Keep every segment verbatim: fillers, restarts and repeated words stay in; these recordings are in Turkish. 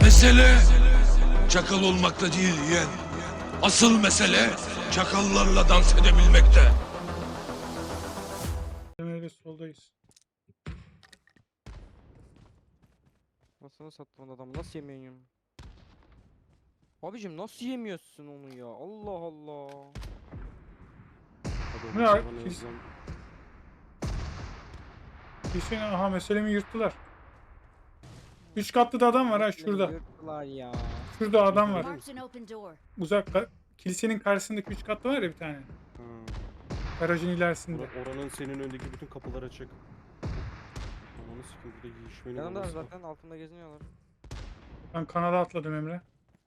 Mesele çakal olmakta değil yeğen. Asıl mesele çakallarla dans edebilmekte. Öyle soldayız. Nasıl sattın adamı? Nasıl yemiyorsun? Abicim nasıl yemiyorsun onu ya? Allah Allah. Ne var? Biz- Hüseyin aha meselemi yırttılar. Üç katlı da adam var ha şurada. Yırttılar ya. Şurada adam var. Marked an open door. Uzak ka- kilisenin karşısındaki üç katlı var ya bir tane. Ha. Garajın ilerisinde. Ora- Oranın senin öndeki bütün kapılar açık. Ananı sikeyim burada yiyişmenin Yanımda olması. zaten altında geziniyorlar. Ben kanala atladım Emre.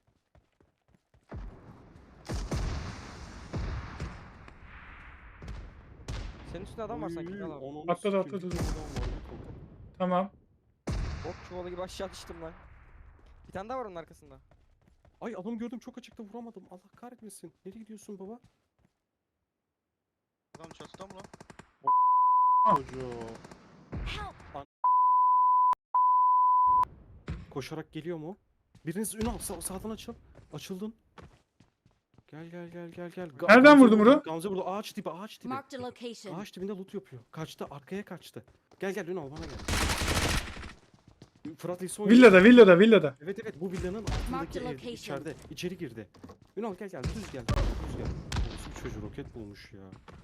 Senin üstünde adam var Oy, sanki. Gel abi. ananı Atladı, sikeyim, atladı, bir dur. tane adam var, bir tane. Tamam. Ok çuvalı gibi aşağı düştüm lan. Bir tane daha var onun arkasında. Ay adamı gördüm çok açıkta vuramadım. Allah kahretmesin. Nereye gidiyorsun baba? Adam çatıda mı lan? Çocuğu. Help! Koşarak geliyor mu? Biriniz Ünal sağ, sağdan açıl. Açıldın. Gel gel gel gel gel. Ga- Nereden Gamze vurdun burada, bunu? Gamze burada ağaç dibi ağaç dibi. Marked a location. Ağaç dibinde loot yapıyor. Kaçtı arkaya kaçtı. Gel gel Ünal bana gel. Fırat İsa oynuyor. Villada, villada, villada. Evet evet bu villanın Marked altındaki ev location. içeride. İçeri girdi. Ünal gel gel düz gel. Düz gel. Nasıl bir çocuğu roket bulmuş ya.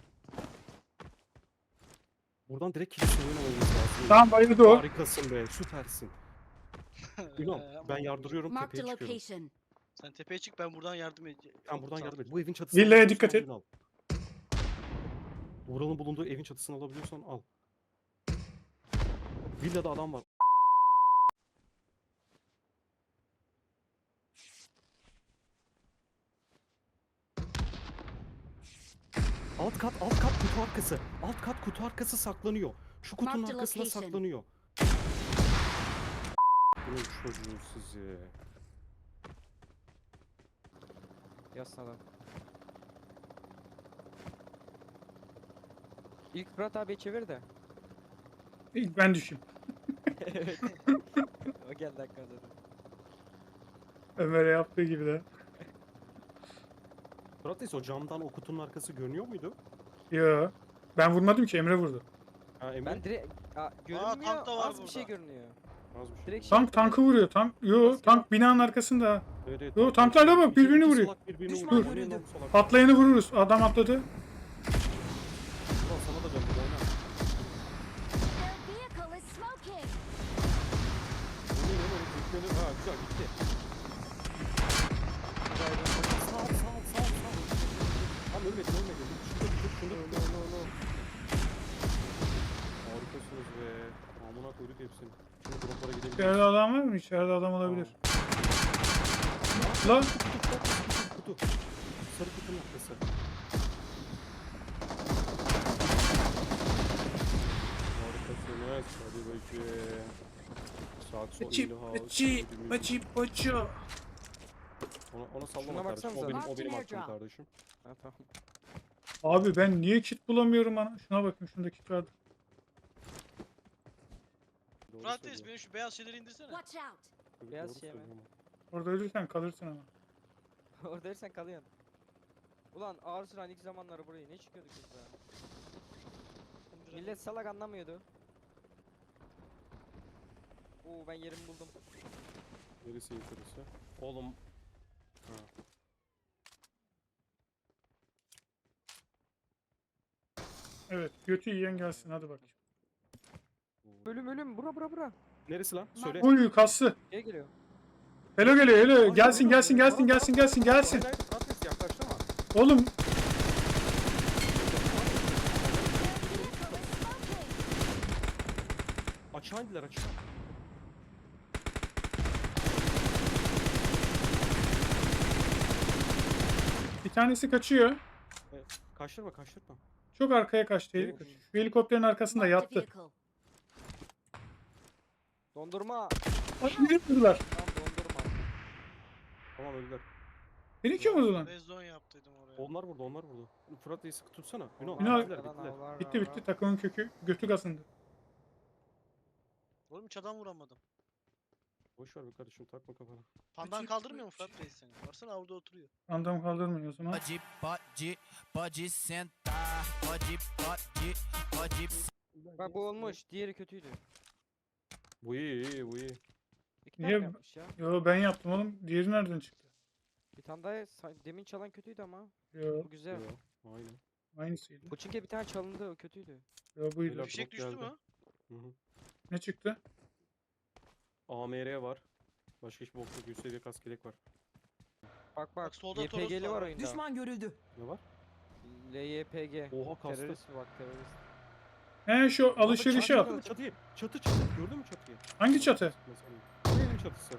Buradan direkt kilise oyun olması lazım. Tamam bayıldı o. Harikasın be süpersin. Ünal Ee, ben ama yardırıyorum Marked a tepeye çıkıyorum. location. Sen tepeye çık, ben buradan yardım edeceğim. Sen buradan Sağ ol. yardım et. Bu evin çatısını Villaya alabiliyorsan dikkat et. Ünal. Vural'ın bulunduğu evin çatısını alabiliyorsan al. Villada adam var. Alt kat, alt kat kutu arkası. Alt kat kutu arkası saklanıyor. Şu kutunun Marked arkasına location. saklanıyor. Bunun çocuğu sizi. Yazsın adam. İlk Fırat abi çevir de. İlk ben düşeyim. Evet. O geldi hakikaten zaten. Ömer'e yaptığı gibi de. Fırat Reis, o camdan o kutunun arkası görünüyor muydu? Yo. Ben vurmadım ki Emre vurdu. Ha Emre? Ben direkt Aa, görünmüyor. tank da var Az bir şey burada. görünüyor. Az bir şey. Direkt şey Tank yaptım tankı vuruyor. Tank. Yo Nasıl tank binanın arkasında. Evet, evet, Yo, tank- tanklarla bak, İki- birbirini iki vuruyor. salak birbirini Düşman vuruyor. görüldü. Oynayın lan salak. Patlayanı vururuz. Adam atladı. Ulan sana da döndü oyna. Their vehicle is smoking. Oynayın oynayın. Yüklenir. Ha güzel gitti. Sağ ol sağ ol sağ ol sağ ol. Tam ölmedin ölmedin. Şunda bir dur şunda bir dur. Harikasınız be. Amına koyduk hepsini. Şimdi droplara gidelim. İçeride adam var mı? İçeride adam olabilir. Lan. Kutu. Sarı kutunun arkası. Harikasınız. Hadi bakayım. Saat sol Maçı, ilha. maçı, maçı, maçı. Ona, ona sallama Şuna kardeşim. O baksanıza. benim, o Martin benim hakkım Airdrop. kardeşim. Ha tamam. Abi ben niye kit bulamıyorum ana? Şuna bakın şunda kit vardı. Doğru Fırat Reis, söylüyor. benim şu beyaz şeyleri indirsene. Watch out. Doğru Beyaz şey mi? söylüyor ama. Orada ölürsen kalırsın ama. Orada ölsen kalıyorsun. Ulan ağır sıran ilk zamanları burayı ne çıkıyorduk biz be? Millet salak anlamıyordu. Oo ben yerimi buldum. Neresi yukarısı? Oğlum. Ha. Evet götü yiyen gelsin hadi bak. Ölüm ölüm bura bura bura. Neresi lan? Söyle. Uy kası. Geri geliyor. Hello geliyor hello. Ay, Gelsin ay, gelsin ay, gelsin ay, gelsin ay, gelsin ay, gelsin. Hayır hayır Fırat Reis yaklaştırma. Oğlum Their vehicle is smoking. Açığa indiler açığa. bir tanesi kaçıyor. Kaçtırma kaçtırma. Çok arkaya kaçtı. Evet. Şu helikopterin arkasında Marked a yattı. vehicle. Dondurma. Ay beni vurdular. Tamam dondurma. Tamam öldüler. Beni kim vurdu lan? Rezon yaptıydım oraya. Onlar vurdu onlar vurdu. Fırat Reis'i tutsana. Ünal Ünal- bittiler bittiler. Bitti bitti takımın kökü. Götü kasındı. Oğlum hiç adam vuramadım. Boş ver be kardeşim, takma kafana. Pandan Küçük- kaldırmıyor mu Fırat Reis seni? Baksana orada oturuyor. Andam kaldırmıyor o zaman. Pode, pode, pode sentar. Pode, pode, pode. Bak bu olmuş. Diğeri kötüydü. Bu iyi iyi bu iyi. İki tane Niye- mi yapmış ya. Yo ben yaptım oğlum. Diğeri nereden çıktı? Bir tane daha sa- demin çalan kötüydü ama. Yo Bu güzel. Yo, aynen. aynısıydı. Koçinke bir tane çalındı o kötüydü. Yo buydu. Helal. Fişek drop düştü geldi. mü? Hı hı. Ne çıktı? A M R var. Başka hiçbir bokta yüz seviye kask yelek var. Bak bak. Bak solda Y P G'li Toros var var. oyunda. Düşman görüldü. Ne var? L Y P G. Oha kastı. Terörist mi bak terörist. He şu alışverişi Çatı, al. Çatıyı. Çatı çatı. Gördün mü çatıyı? Hangi çatı? Mesela. Bu evin çatısı.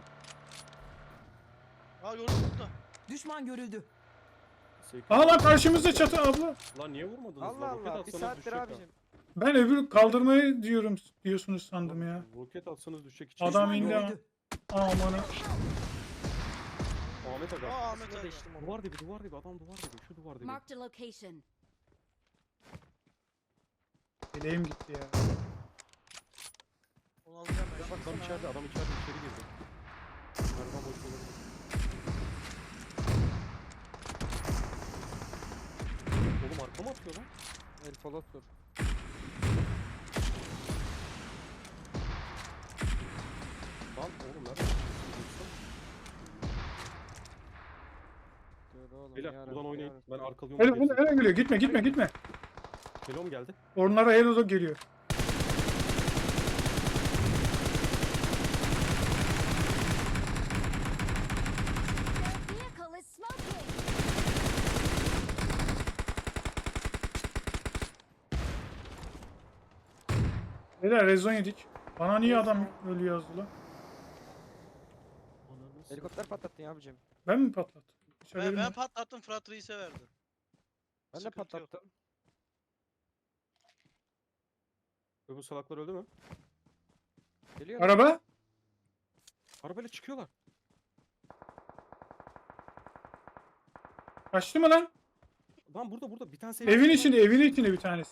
Aa gördüm burada. Düşman görüldü. Seyfi- Aa lan karşımızda çatı abla. Lan niye vurmadınız Allah lan? Roket Allah. Bir atsanız saattir düşecek ha. abicim. Ben öbür kaldırmayı diyorum diyorsunuz sandım ya. Roket atsanız düşecek içeri. Adam Düşman indi ama. görüldü. Amanı. Ahmet aga. Aa Ahmet Aslında abi. değiştim onu. Duvar dibi duvar dibi adam duvar dibi şu duvar dibi. Marked a location. Bileğim gitti ya. Onu alacağım ben. Adam Baksana. içeride adam içeride içeri girdi. Merdiven boş olabilir. Oğlum arkama atıyor lan. El Folot'tur. Lan oğlum nerede? Dur oğlum. Beyler yarabbim, buradan oynayın. yarabbim. Ben arkalıyorum. Hele hele hele geliyor. Gitme gitme gitme. Helom geldi. Onlara Hello geliyor. Their vehicle is smoking. Beyler rezon yedik. Bana niye adam ölüyor yazdı lan? Ananı s- Helikopter patlattın ya abicim. Ben mi patlattım? Hiç Ben, haberim ben yok. patlattım Fırat Reis'e verdi. Ben de Sıkıntı yok. patlattım. Öbür salaklar öldü mü? Geliyor. Araba? Arabayla çıkıyorlar. Kaçtı mı lan? Lan burada burada bir tanesi Evin içinde, evin içinde bir tanesi.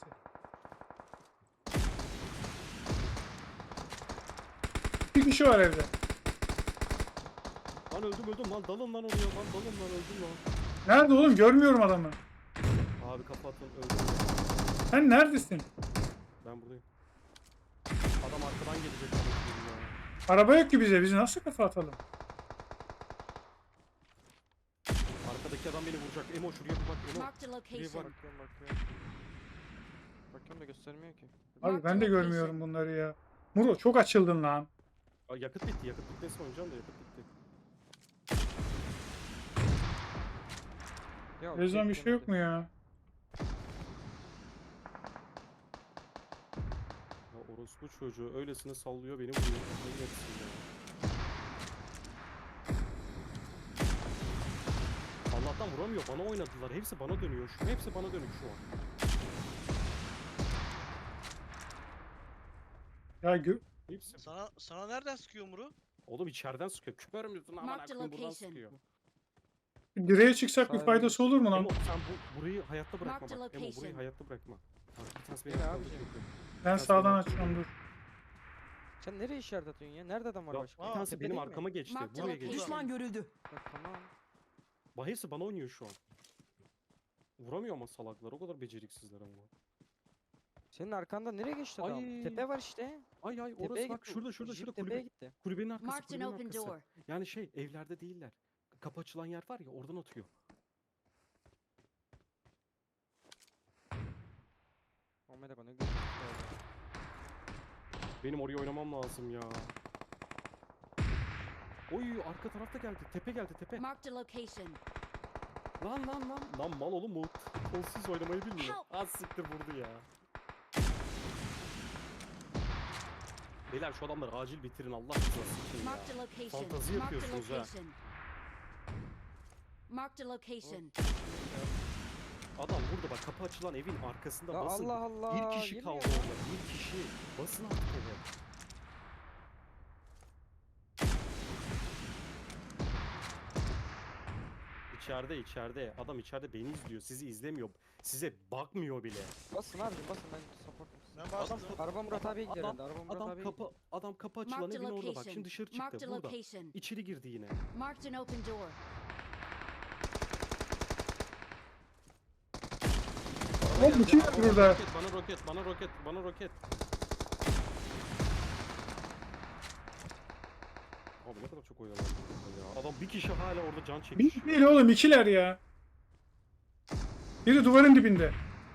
Bir kişi var evde. Lan öldüm öldüm lan dalın lan oraya lan dalın lan öldüm lan. Nerede oğlum? Görmüyorum adamı. Abi kapatın öldüm. Sen neredesin? Ben buradayım. Adam arkadan gelecek. anasını ya. Araba yok ki bize. Biz nasıl kafa atalım? Arkadaki adam beni vuracak. Emo şuraya bir bak Emo. Marked a var. location. Bakıyorum bakıyorum. Bakıyorum da göstermiyor ki. Abi Marked ben de location. görmüyorum bunları ya. Muro çok açıldın lan. Aa, yakıt bitti yakıt bitmesi oynayacağım da yakıt bitti. Ya, Rezon bir şey yok beklemedim. mu ya? Ya orospu çocuğu öylesine sallıyor beni vuruyor. Kafayı yersin ya. Allah'tan vuramıyor. Bana oynadılar. Hepsi bana dönüyor. Şu hepsi bana dönük şu an. Ya gö Hepsi. Sana sana nereden sıkıyor Muru? Oğlum içeriden sıkıyor. Kör müsün aman Marked akıyım buradan location. sıkıyor. direğe çıksak bir Sağ faydası olur mu lan? Emo sen bu, burayı hayatta bırakma Marked bak. Emo burayı location. hayatta bırakma. Bak bir tanesi beni Gel arkadan abicim. çekiyor. Ben sen sağdan söyle. açıyorum dur. Sen nereye işaret atıyorsun ya? Nerede adam var Ya, başka? bir Aa, tanesi Tepede benim değil mi? arkama geçti. Marked Buraya location. geçti. Düşman görüldü. Bak, tamam. Bak hepsi bana oynuyor şu an. Vuramıyor ama salaklar. O kadar beceriksizler ama. Senin arkanda nereye geçti adam? Ay. Tepe var işte. Ay ay Tepeye orası bak gitti. şurada şurada Jip şurada tepeye kulübe, gitti. kulübenin arkası Marked an kulübenin open arkası. door. Yani şey evlerde değiller. Kapı açılan yer var ya oradan atıyor. Ahmet bana gördü. Benim oraya oynamam lazım ya. Oy arka tarafta geldi. Tepe geldi tepe. Marked a location. Lan lan lan. Lan mal oğlum bu kolsuz oynamayı bilmiyor. Help. Az siktir vurdu ya. Beyler şu adamları acil bitirin Allah rızası için ya. Marked a location. Fantazi Marked a yapıyorsunuz ha. location. Marked a location. Adam burada bak kapı açılan evin arkasında Ya basın. Allah Allah. Bir kişi girmiyor kaldı ya. orada. Bir kişi. Basın artık eve. İçeride içeride. Adam içeride beni izliyor. Sizi izlemiyor. Size bakmıyor bile. Basın abi basın ben supportum sizi. Ben bastım. Araba Murat abiye gidiyor Adam, herhalde. Araba Murat adam abiye kapı adam kapı açılan Marked a evin orada bak. location. Şimdi dışarı Marked çıktı a burada. location. İçeri girdi yine. Marked an open door. Oğlum bu kim var burada? Roket, bana roket, bana roket, bana roket. Abi ne kadar çok oynanan ya. Adam bir kişi hala orada can çekmiş. Bir değil oğlum, ikiler ya. Biri duvarın dibinde.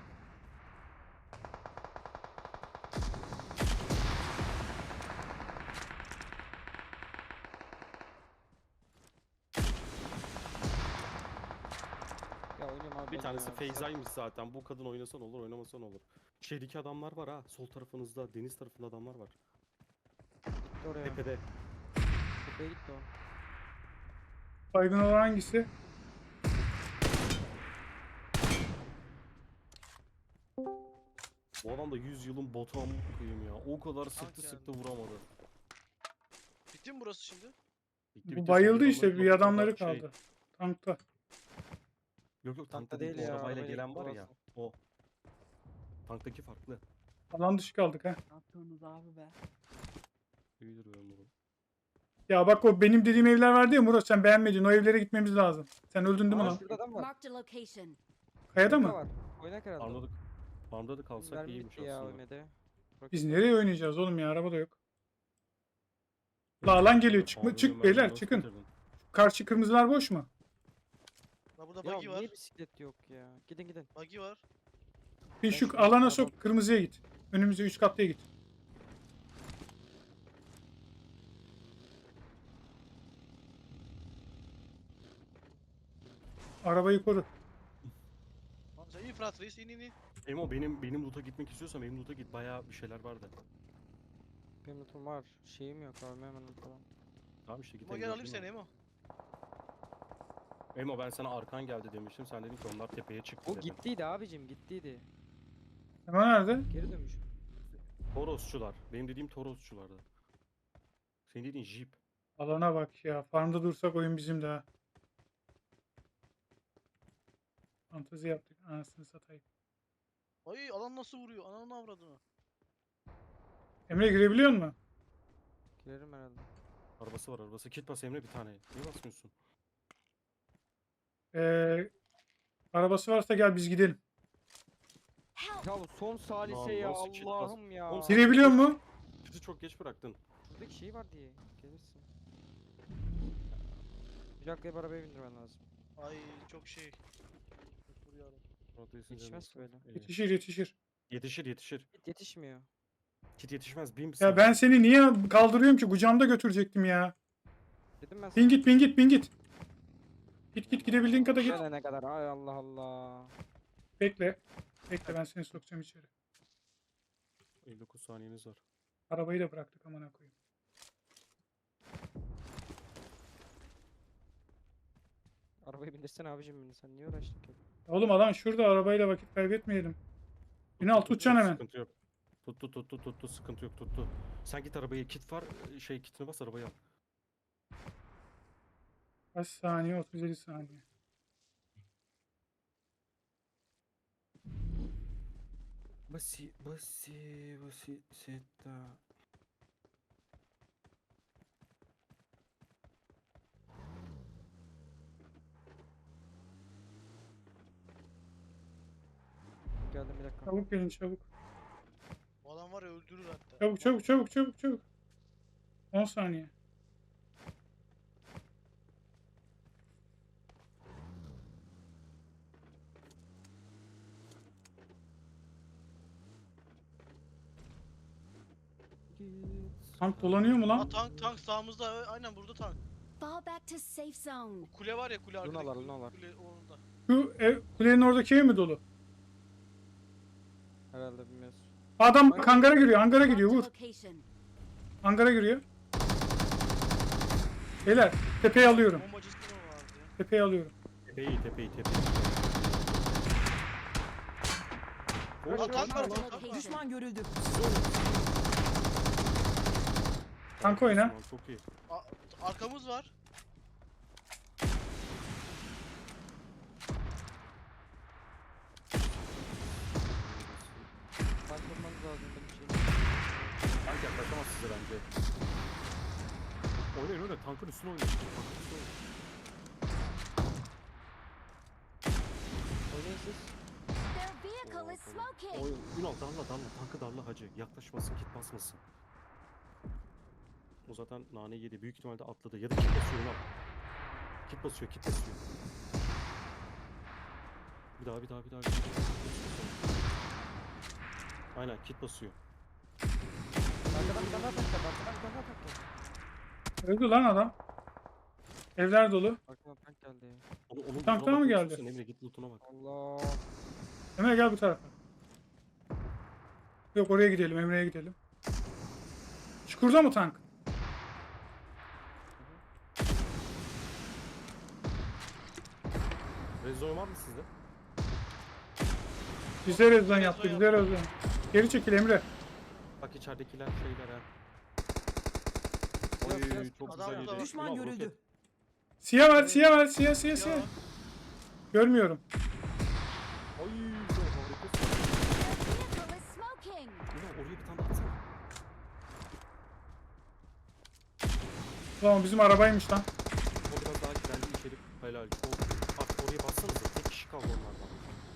Ya oynuyorum abi. Bir ben tanesi ya. Feyza'ymış zaten. Bu kadın oynasan olur, oynamasan olur. Şeydeki adamlar var ha. Sol tarafınızda, deniz tarafında adamlar var. Gitti oraya. Tepede. Tepeye gitti o. Baygın olan hangisi? Bu adam da yüz yılın botu amına koyayım ya. O kadar sıktı Tank sıktı geldi. vuramadı. Bitti mi burası şimdi? Bitti, Bu bitti. bayıldı Son işte, bir adamları adamları şey- kaldı. Tankta. Yok yok Tankta tankta değil değil, ya, o arabayla arabayla gelen gitti var ya. orası. O. Tanktaki farklı. Alan dışı kaldık ha. Ne yapıyorsunuz abi be? İyidir ben bunu. Ya bak, o benim dediğim evler vardı ya Murat, sen beğenmedin. O evlere gitmemiz lazım. Sen öldün değil mi Aa, lan? şurada adam var. Marked a location. Kayada Şurada mı? var. Oynak herhalde. Farmda da, farmda da kalsak Mermi iyiymiş bitti ya aslında. ölmedi. Biz nereye oynayacağız oğlum ya? Araba da yok. La alan geliyor. Çıkma, Farmda çık mermi beyler, nasıl çıkın. bitirdin? Karşı kırmızılar boş mu? La burada Ya buggy var. niye bisiklet yok ya? Gidin gidin. Buggy var. Bir Ben şu şimdi alana araba- sok, kırmızıya git. Önümüze üç katlıya git. Arabayı koru. Lan sen iyi Fırat Reis in in in. Emo benim benim loot'a gitmek istiyorsan benim loot'a git. Bayağı bir şeyler vardı. Benim notum var. Şeyim yok abi hemen falan. Tamam işte git. Ama gel alayım seni Emo. Emo ben sana arkan geldi demiştim. Sen dedin ki onlar tepeye çıktı O dedin. gittiydi abicim gittiydi. Hemen nerede? Geri dönmüş. Torosçular. Benim dediğim Torosçulardı. Senin dediğin Jeep. Alana bak ya. Farmda dursak oyun bizim de ha. Fantezi yaptık. Anasını satayım. Ay alan nasıl vuruyor? Ananı avradını. Emre girebiliyor musun? Girerim herhalde. Arabası var arabası. Kit bas Emre bir tane. Niye basmıyorsun? Ee, arabası varsa gel biz gidelim. Help! Ya bu son salise Lan ya nasıl kit bas- Allah'ım ya. Oğlum sen- Girebiliyor mu? Bizi çok geç bıraktın. Şuradaki şey var diye. Gelirsin. Bir dakika arabaya bindirmen lazım. Ay çok şey. Çok vuruyor adam. Rotation Yetişmez canım. böyle. İyi. Yetişir yetişir. Yetişir yetişir. Git yetişmiyor. Kit yetişmez. Bin Ya ben seni niye kaldırıyorum ki? Kucağımda götürecektim ya. Dedim ben Bin git bin git bin git. Git git gidebildiğin kadar git. ne kadar ay Allah Allah. Bekle. Bekle, ben seni sokacağım içeri. elli dokuz saniyeniz var. Arabayı da bıraktık, amına koyayım. Arabayı bindirsene abicim beni sen niye uğraştın ki? Oğlum alan şurada, arabayla vakit kaybetmeyelim. Ünal tutacaksın hemen. Sıkıntı yok. Tuttu tuttu tuttu sıkıntı yok tuttu. Sen git arabaya kit var şey kitini bas arabaya al. Kaç saniye? otuz yedi saniye. Basi basi basi seta. Geldim bir dakika. Çabuk gelin çabuk. Bu adam var ya öldürür hatta. Çabuk çabuk çabuk çabuk çabuk. on saniye. Tank dolanıyor mu Aa lan? tank tank sağımızda. Aynen burada tank. Fall back to safe zone. Kule var ya kule arkadaki. Lunalar, kule- lunalar. Kule orada. Şu ev, kulenin oradaki ev mi dolu? Herhalde bilmiyoruz. Adam bak hangara giriyor, hangara Marked giriyor, a vur. location. Hangara giriyor. Beyler, tepeyi alıyorum. Bombacısı mı vardı ya? Tepeyi alıyorum. Tepeyi tepeyi tepeyi. Aa tank var Marked a tank var. location. Düşman görüldü. Tank oyna. Osman, çok iyi. Aa, arkamız var. Tank olmanız lazım. tankın üstüne oynuyor. Tankın üstüne oynuyor. Oynayın siz. Their vehicle is Oo, smoking. Oy, Ünal darla darla. Tankı darla hacı. Yaklaşmasın, kit basmasın. O zaten nane yedi. Büyük ihtimalle atladı. Ya da kit basıyor Ünal. Kit basıyor, kit basıyor. Bir daha, bir daha, bir daha. Bir daha. Aynen, kit basıyor. Arkadan bir tane daha tank geldi. Arkadan bir tane daha tank geldi. Öldü lan adam. Evler dolu. Arkadan tank geldi. Onu, onun Tanktan lootuna mı bakmak geldi? istiyorsan Emre git lootuna bak. Allah. Emre gel bu tarafa. Yok oraya gidelim. Emre'ye gidelim. Çukurda mı tank? Rezon var mı sizde? Bize rezon yaptı. Bize rezon. Geri çekil Emre. Bak içeridekiler şeyler ha. Biraz, Oy biraz. çok Adam güzel burada yedi. var. Düşman Ünal, görüldü. roket. Siyah ver, siyah ver, siyah, siyah, siyah. Ya. Görmüyorum. Ay güzel harikasın. Their vehicle is smoking. Ünal oraya bir tane daha atsana. Ulan bizim arabaymış lan. O biraz daha güzeldi içeri. Helal. O, bak oraya bassanıza. Tek kişi kaldı onlardan.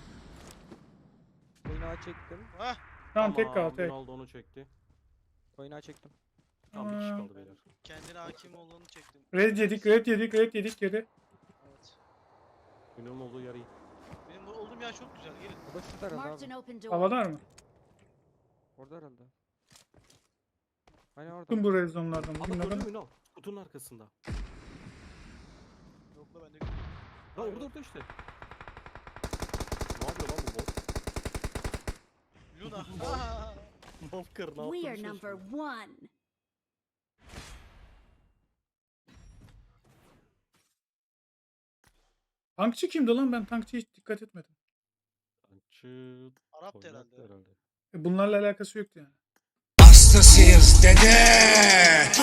Oynağı çektim. Hah. Tamam tek kal tek. Ronaldo onu çekti. Oynağı çektim. Tamam bir kişi Aa. kaldı beyler. Kendine hakim olduğunu çektim. Red yedik, red yedik, red yedik geri. Evet. Ünal'ın olduğu yer iyi. Benim bu- olduğum yer çok güzel. Gelin. O da şurada herhalde Marked abi. an open door. Havalar mı? Orada herhalde. Aynen orada. Tüm bu rezonlardan. Adam Bugün gördün adam. mü Ünal? Kutunun arkasında. Yok da bende. Lan orada orada işte. Ne yapıyor lan bu bot? Luna. Aa! Malkır ne We yaptığını are number şaşırıyor. one. Tankçı kimdi lan? Ben tankçıya hiç dikkat etmedim. Tankçı Arap da Poyraz herhalde. herhalde. E bunlarla alakası yoktu yani. Hastasıyız dede.